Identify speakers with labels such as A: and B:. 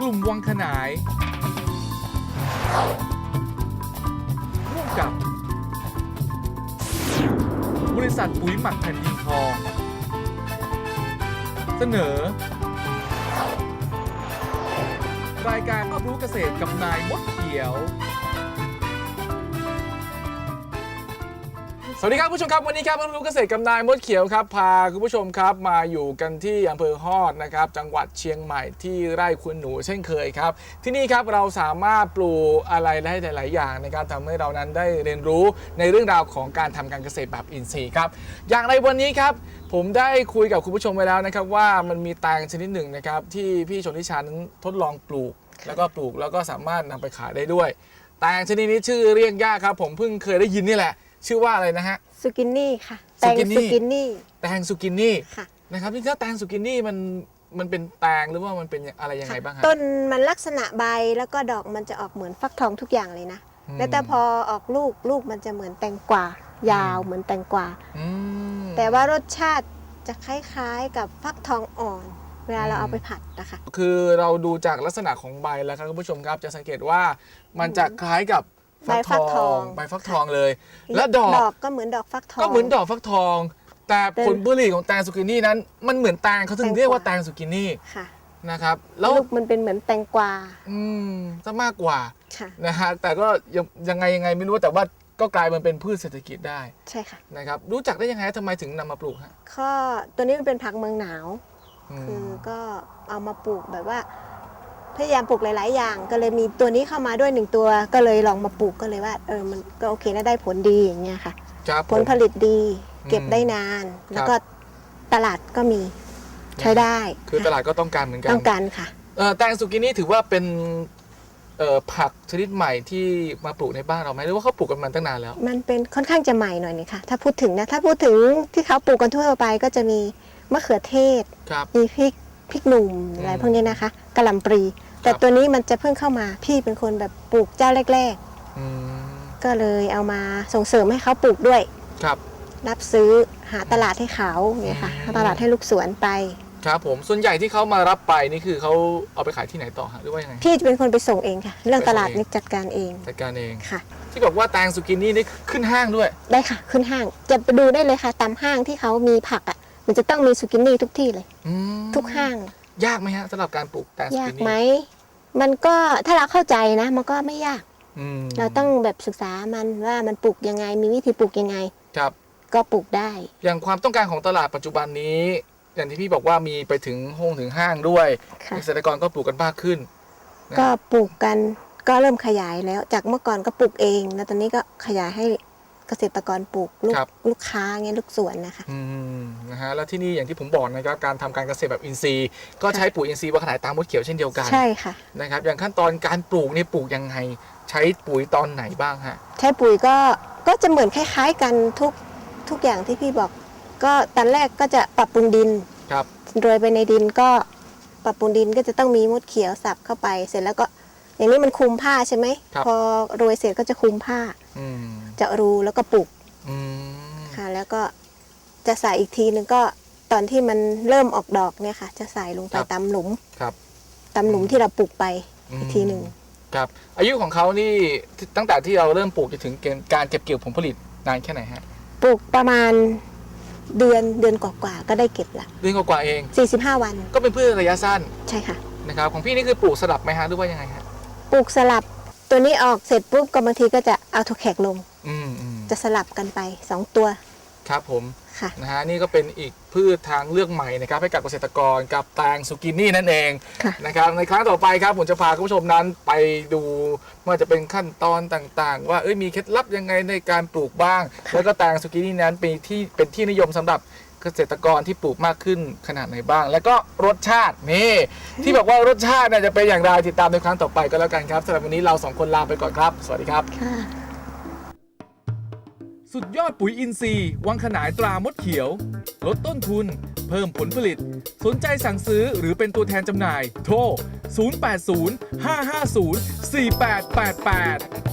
A: ลุ่มวังขนายร่วมกับบริษัทปุ๋ยหมักแผ่นดินทองเสนอรายการรับรู้เกษตรกับนายมดเขียวสวัสดีครับผู้ชมครับวันนี้ครับรู้เกษตรกับนายมดเขียวครับพาคุณผู้ชมครับมาอยู่กันที่อำเภอฮอดนะครับจังหวัดเชียงใหม่ที่ไร่คุณหนูเช่นเคยครับที่นี่ครับเราสามารถปลูกอะไรได้หลายๆอย่างนะครับทำให้เรานั้นได้เรียนรู้ในเรื่องราวของการทำการเกษตรแบบอินทรีย์ครับอย่างไรวันนี้ครับผมได้คุยกับคุณผู้ชมไปแล้วนะครับว่ามันมีแตงชนิดหนึ่งนะครับที่พี่ชนทิชานั้นทดลองปลูกแล้วก็สามารถนำไปขายได้ด้วยแตงชนิดนี้ชื่อเรียกยากครับผมเพิ่งเคยได้ยินนี่แหละชื่อว่าอะไรนะฮะ
B: ซูกินี่ค่ะแตงซูกินี่
A: แตงซูกินี่
B: ค่ะ
A: นะครับที่ถ้าแตงซูกินี่มันเป็นแตงหรือว่ามันเป็นอะไรยังไงบ้างฮะ
B: ต้นมันลักษณะใบแล้วก็ดอกมันจะออกเหมือนฟักทองทุกอย่างเลยนะแล้วแต่พอออกลูกมันจะเหมือนแตงกวายาวเหมือนแตงกวาแต่ว่ารสชาติจะคล้ายๆกับฟักทองอ่อนเวลาเราเอาไปผัดนะคะ
A: คือเราดูจากลักษณะของใบแล้วครับคุณผู้ชมครับจะสังเกตว่ามันจะคล้ายกับ
B: ใบฟักทอง
A: ใบฟักทองเลยและดอก
B: ก็เหมือนดอกฟักทอง
A: ก็เหมือนดอกฟักทองแต่ผลผลิตของแตงซูกินี่นั้นมันเหมือนแตงเขาถึงเรียกว่าแตงซูกินี่นะครับ
B: แล้วลูกมันเป็นเหมือนแตงกวา
A: ซะมากกว่านะฮะแต่ก็ยังไงไม่รู้แต่ว่าก็กลายมันเป็นพืชเศรษฐกิจได้
B: ใช่ค่ะ
A: นะครับรู้จักได้ยังไงทำไมถึงนำมาปลูกฮะ
B: ก็ตัวนี้มันเป็นผักเมืองหนาวคือก็เอามาปลูกแบบว่าพยายามปลูกหลายๆอย่างก็เลยมีตัวนี้เข้ามาด้วย1ตัวก็เลยลองมาปลูกก็เลยว่ามันก็โอเคนะได้ผลดีอย่างเงี้ยค่ะผลผลิตดีเก็บได้นานแล้วก็ตลาดก็มีใช้ได้
A: คือตลาดก็ต้องการเหมือนกัน
B: ต้องการค่ะ
A: แตงซูกินี่ถือว่าเป็นผักชนิดใหม่ที่มาปลูกในบ้านเราไหมหรือว่าเขาปลูกกันมาตั้งนานแล้ว
B: มันเป็นค่อนข้างจะใหม่หน่อยนี่ค่ะถ้าพูดถึงที่เขาปลูกกันทั่วไปก็จะมีมะเขือเทศมีพริกหนุ่มอะไรพวกนี้นะคะกะหล่ำปลีแต่ตัวนี้มันจะเพิ่งเข้ามาพี่เป็นคนแบบปลูกเจ้าแรกๆก็เลยเอามาส่งเสริมให้เขาปลูกด้วยรับซื้อหาตลาดให้เขาเนี่ยค่ะตลาดให้ลูกสวนไป
A: ครับผมส่วนใหญ่ที่เขามารับไปนี่คือเขาเอาไปขายที่ไหนต่อฮะหรือว่ายังไง
B: พี่จะเป็นคนไปส่งเองค่ะเรื่องตลาดนี่จัดการเองค่ะ
A: ที่บอกว่าแตงซูกินี่นี่ขึ้นห้างด้วย
B: ได้ค่ะขึ้นห้างจะไปดูได้เลยค่ะตามห้างที่เขามีผักอ่ะมันจะต้องมีซูกินี่ทุกที่เลยทุกห้าง
A: ยากไหมฮะสำหรับการปลูกแตงซูกินี่
B: ยากไหมมันก็ถ้าเราเข้าใจนะมันก็ไม่ยากเราต้องแบบศึกษามันว่ามันปลูกยังไงมีวิธีปลูกยังไง
A: ครับ
B: ก็ปลูกได้
A: อย่างความต้องการของตลาดปัจจุบันนี้อย่างที่พี่บอกว่ามีไปถึงห้างด้วยเกษตรกรก็ปลูกกันมากขึ้น
B: ก็ปลูกกันก็เริ่มขยายแล้วจากเมื่อก่อนก็ปลูกเองแล้วตอนนี้ก็ขยายให้เกษตรกรปลูกลูกค้าเงี้ยลูกสวนนะคะ
A: นะฮะแล้วที่นี่อย่างที่ผมบอกนะครับการทำการเกษตรแบบอินทรีย์ก็ใช้ปุ๋ยอินทรีย์วังขนายตามมดเขียวเช่นเดียวกัน
B: ใช่ค่ะ
A: นะครับอย่างขั้นตอนการปลูกนี่ปลูกยังไงใช้ปุ๋ยตอนไหนบ้างฮะ
B: ใช้ปุ๋ยก็จะเหมือนคล้ายๆกันทุกอย่างที่พี่บอกก็ตอนแรกก็จะปรับปรุงดินโรยไปในดินก็ปรับปรุงดินก็จะต้องมีมดเขียวสับเข้าไปเสร็จแล้วก็อย่างนี้มันคลุมผ้าใช่ไหมพอโรยเสร็จก็จะคลุมผ้าเจาะรูแล้วก็ปลูกค่ะแล้วก็จะใส่อีกทีนึงก็ตอนที่มันเริ่มออกดอกเนี่ยค่ะจะใส่ลงไปตามหลุมตามหลุมที่เราปลูกไปอีกทีหนึ่ง
A: ครับอายุของเขานี่ตั้งแต่ที่เราเริ่มปลูกจนถึงการเก็บเกี่ยวผลผลิตนานแค่ไหนฮะ
B: ปลูกประมาณเดือนกว่าๆก็ได้เก็บละ
A: เดือนกว่าเอง
B: 45 วัน
A: ก็เป็นพืชระยะสั้น
B: ใช่ค่ะ
A: นะครับของพี่นี่คือปลูกสลับไหมฮะหรือว่ายังไงฮะ
B: ปลูกสลับตัวนี้ออกเสร็จปุ๊บก็บางทีก็จะเอาถั่วแขกลงจะสลับกันไป2ตัว
A: ครับผมนะฮะนี่ก็เป็นอีกพืชทางเลือกใหม่นะครับให้กับเกษตรกรกับแตงซูกินี่นั่นเองนะครับในครั้งต่อไปครับผมจะพาคุณผู้ชมนั้นไปดูว่าจะเป็นขั้นตอนต่างๆว่ามีเคล็ดลับยังไงในการปลูกบ้างแล้วก็แตงซูกินี่นั้นเป็นที่นิยมสำหรับเกษตรกรที่ปลูกมากขึ้นขนาดไหนบ้างแล้วก็รสชาตินี่ที่บอกว่ารสชาติจะเป็นอย่างไรติดตามในครั้งต่อไปก็แล้วกันครับสำหรับวันนี้เรา2คนลาไปก่อนครับสวัสดีครับสุดยอดปุ๋ยอินทรีย์วังขนายตรามดเขียวลดต้นทุนเพิ่มผลผลิตสนใจสั่งซื้อหรือเป็นตัวแทนจำหน่ายโทร 080 550 4888